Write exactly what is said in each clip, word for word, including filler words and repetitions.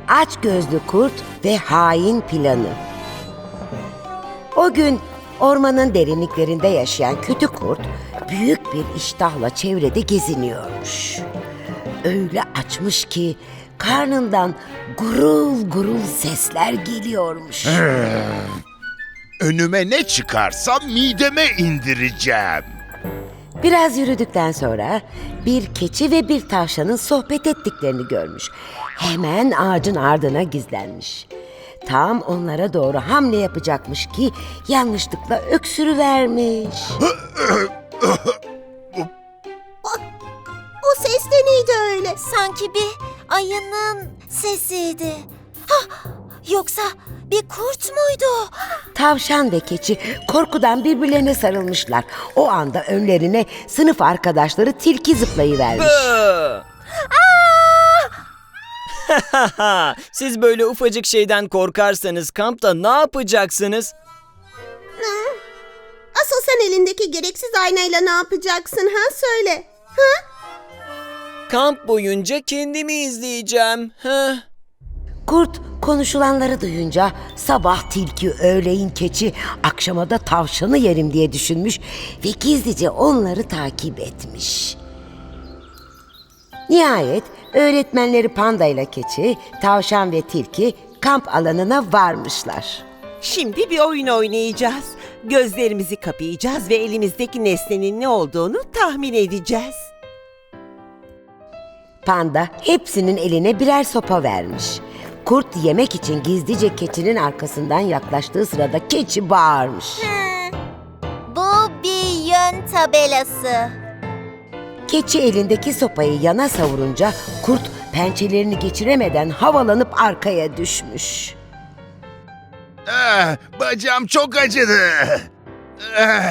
Açgözlü Kurt ve Hain Planı. O gün ormanın derinliklerinde yaşayan kötü kurt büyük bir iştahla çevrede geziniyormuş. Öyle açmış ki karnından gurul gurul sesler geliyormuş. Önüme ne çıkarsa mideme indireceğim. Biraz yürüdükten sonra bir keçi ve bir tavşanın sohbet ettiklerini görmüş. Hemen ağacın ardına gizlenmiş. Tam onlara doğru hamle yapacakmış ki yanlışlıkla öksürüvermiş. O ses de neydi öyle? Sanki bir ayının sesiydi. Hah, yoksa bir kurt muydu? Tavşan ve keçi korkudan birbirlerine sarılmışlar. O anda önlerine sınıf arkadaşları tilki zıplayıvermiş. Siz böyle ufacık şeyden korkarsanız kampta ne yapacaksınız? Asıl sen elindeki gereksiz aynayla ne yapacaksın ha söyle. Ha? Kamp boyunca kendimi izleyeceğim. Heh. Kurt konuşulanları duyunca sabah tilki, öğleyin keçi, akşama da tavşanı yerim diye düşünmüş ve gizlice onları takip etmiş. Nihayet öğretmenleri Panda ile keçi, tavşan ve tilki kamp alanına varmışlar. Şimdi bir oyun oynayacağız. Gözlerimizi kapayacağız ve elimizdeki nesnenin ne olduğunu tahmin edeceğiz. Panda hepsinin eline birer sopa vermiş. Kurt yemek için gizlice keçinin arkasından yaklaştığı sırada keçi bağırmış. Bu bir yön tabelası. Keçi elindeki sopayı yana savurunca kurt pençelerini geçiremeden havalanıp arkaya düşmüş. Ah, bacağım çok acıdı. Ah,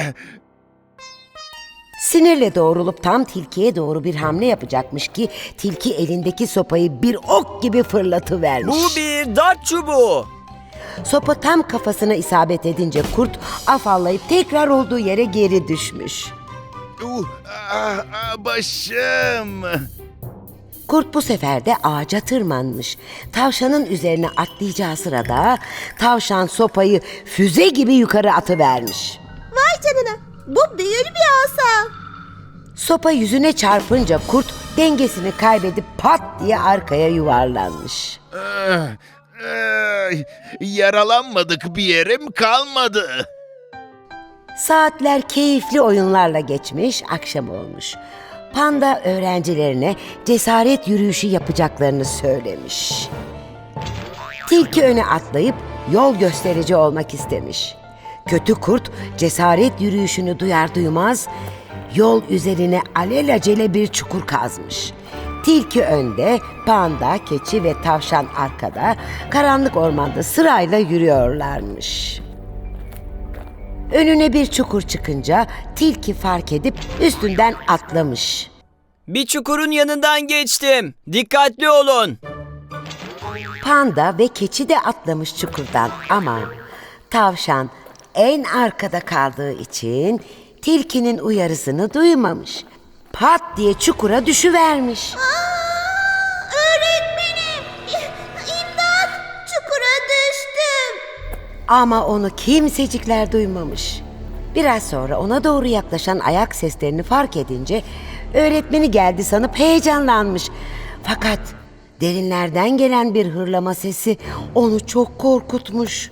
Sinirle doğrulup tam tilkiye doğru bir hamle yapacakmış ki tilki elindeki sopayı bir ok gibi fırlatıvermiş. Bu bir dart çubuğu. Sopa tam kafasına isabet edince kurt afallayıp tekrar olduğu yere geri düşmüş. uh, ah, ah, başım. Kurt bu sefer de ağaca tırmanmış. Tavşanın üzerine atlayacağı sırada tavşan sopayı füze gibi yukarı atıvermiş. Vay canına, bu büyülü bir asa. Sopa yüzüne çarpınca kurt dengesini kaybedip pat diye arkaya yuvarlanmış. Ah, ah, yaralanmadık, bir yerim kalmadı. Saatler keyifli oyunlarla geçmiş, akşam olmuş. Panda öğrencilerine cesaret yürüyüşü yapacaklarını söylemiş. Tilki öne atlayıp yol gösterici olmak istemiş. Kötü kurt cesaret yürüyüşünü duyar duymaz yol üzerine alelacele bir çukur kazmış. Tilki önde, panda, keçi ve tavşan arkada, karanlık ormanda sırayla yürüyorlarmış. Önüne bir çukur çıkınca tilki fark edip üstünden atlamış. Bir çukurun yanından geçtim. Dikkatli olun. Panda ve keçi de atlamış çukurdan ama tavşan en arkada kaldığı için tilkinin uyarısını duymamış. Pat diye çukura düşüvermiş. Öğretmenim, imdat, çukura düştüm. Ama onu kimsecikler duymamış. Biraz sonra ona doğru yaklaşan ayak seslerini fark edince öğretmeni geldi sanıp heyecanlanmış. Fakat derinlerden gelen bir hırlama sesi onu çok korkutmuş.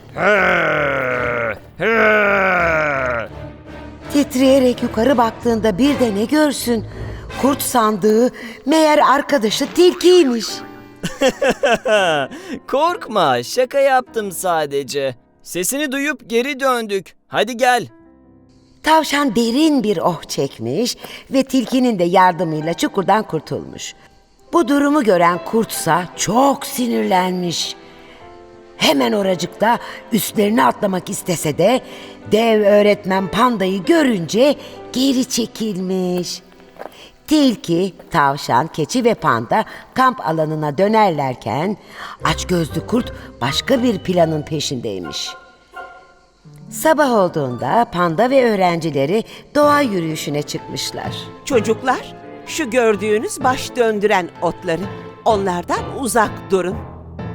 Titreyerek yukarı baktığında bir de ne görsün? Kurt sandığı meğer arkadaşı tilkiymiş. Korkma, şaka yaptım sadece. Sesini duyup geri döndük. Hadi gel. Tavşan derin bir oh çekmiş ve tilkinin de yardımıyla çukurdan kurtulmuş. Bu durumu gören kurtsa çok sinirlenmiş. Hemen oracıkta üstlerine atlamak istese de dev öğretmen Panda'yı görünce geri çekilmiş. Tilki, tavşan, keçi ve panda kamp alanına dönerlerken açgözlü kurt başka bir planın peşindeymiş. Sabah olduğunda panda ve öğrencileri doğa yürüyüşüne çıkmışlar. Çocuklar, şu gördüğünüz baş döndüren otları, onlardan uzak durun.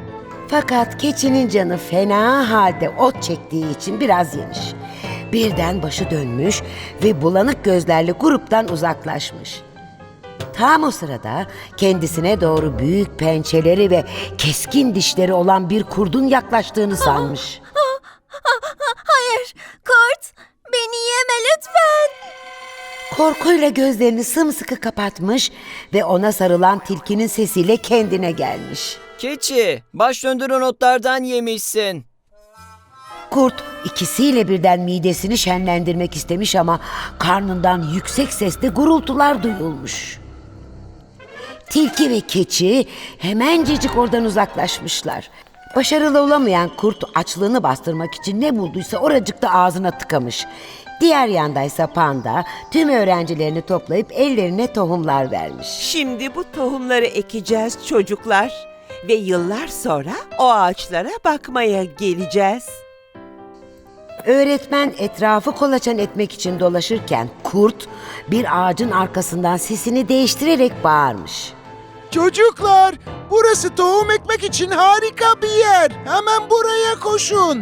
Fakat keçinin canı fena halde ot çektiği için biraz yemiş. Birden başı dönmüş ve bulanık gözlerle gruptan uzaklaşmış. Tam o sırada kendisine doğru büyük pençeleri ve keskin dişleri olan bir kurdun yaklaştığını sanmış. Hayır, kurt, beni yeme lütfen. Korkuyla gözlerini sımsıkı kapatmış ve ona sarılan tilkinin sesiyle kendine gelmiş. Keçi, baş döndüren otlardan yemişsin. Kurt ikisiyle birden midesini şenlendirmek istemiş ama karnından yüksek sesle gurultular duyulmuş. Tilki ve keçi hemencecik oradan uzaklaşmışlar. Başarılı olamayan kurt açlığını bastırmak için ne bulduysa oracıkta ağzına tıkamış. Diğer yandaysa panda tüm öğrencilerini toplayıp ellerine tohumlar vermiş. Şimdi bu tohumları ekeceğiz çocuklar ve yıllar sonra o ağaçlara bakmaya geleceğiz. Öğretmen etrafı kolaçan etmek için dolaşırken kurt bir ağacın arkasından sesini değiştirerek bağırmış. Çocuklar, burası tohum ekmek için harika bir yer. Hemen buraya koşun.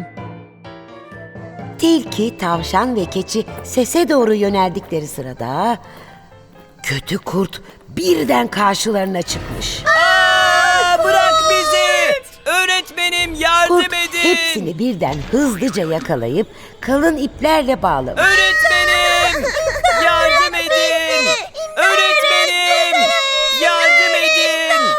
Tilki, tavşan ve keçi sese doğru yöneldikleri sırada kötü kurt birden karşılarına çıkmış. Aa, bırak bizi! Öğretmenim yardım Kurt edin! hepsini birden hızlıca yakalayıp kalın iplerle bağlamış. Öğretmenim! Yardım edin! Öğretmenim! Yardım edin!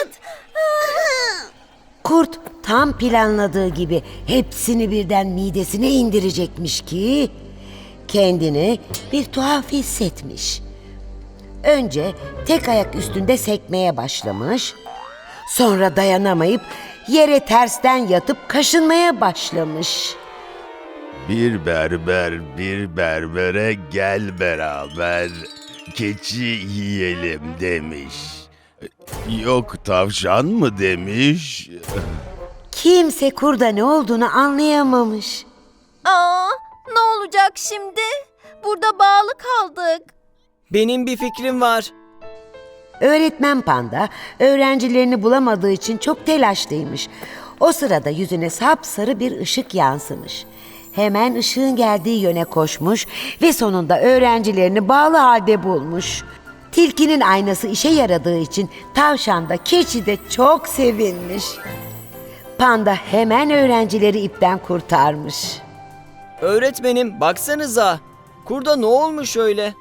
Kurt tam planladığı gibi hepsini birden midesine indirecekmiş ki kendini bir tuhaf hissetmiş. Önce tek ayak üstünde sekmeye başlamış. Sonra dayanamayıp yere tersten yatıp kaşınmaya başlamış. Bir berber bir berbere gel beraber keçi yiyelim demiş. Yok tavşan mı demiş? Kimse kurda ne olduğunu anlayamamış. Aa, ne olacak şimdi? Burada bağlı kaldık. Benim bir fikrim var. Öğretmen panda öğrencilerini bulamadığı için çok telaşlıymış. O sırada yüzüne sapsarı bir ışık yansımış. Hemen ışığın geldiği yöne koşmuş ve sonunda öğrencilerini bağlı halde bulmuş. Tilkinin aynası işe yaradığı için tavşan da keçi de çok sevinmiş. Panda hemen öğrencileri ipten kurtarmış. Öğretmenim baksanıza. Kurda ne olmuş öyle?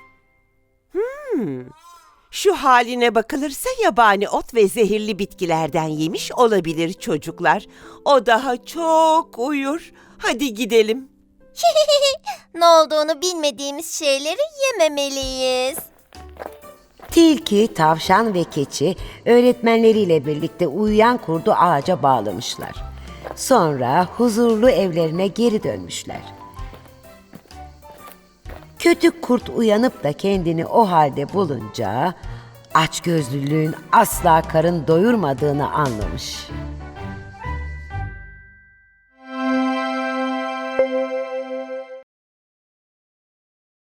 Şu haline bakılırsa yabani ot ve zehirli bitkilerden yemiş olabilir çocuklar. O daha çok uyur. Hadi gidelim. Ne olduğunu bilmediğimiz şeyleri yememeliyiz. Tilki, tavşan ve keçi öğretmenleriyle birlikte uyuyan kurdu ağaca bağlamışlar. Sonra huzurlu evlerine geri dönmüşler. Kötü kurt uyanıp da kendini o halde bulunca açgözlülüğün asla karın doyurmadığını anlamış.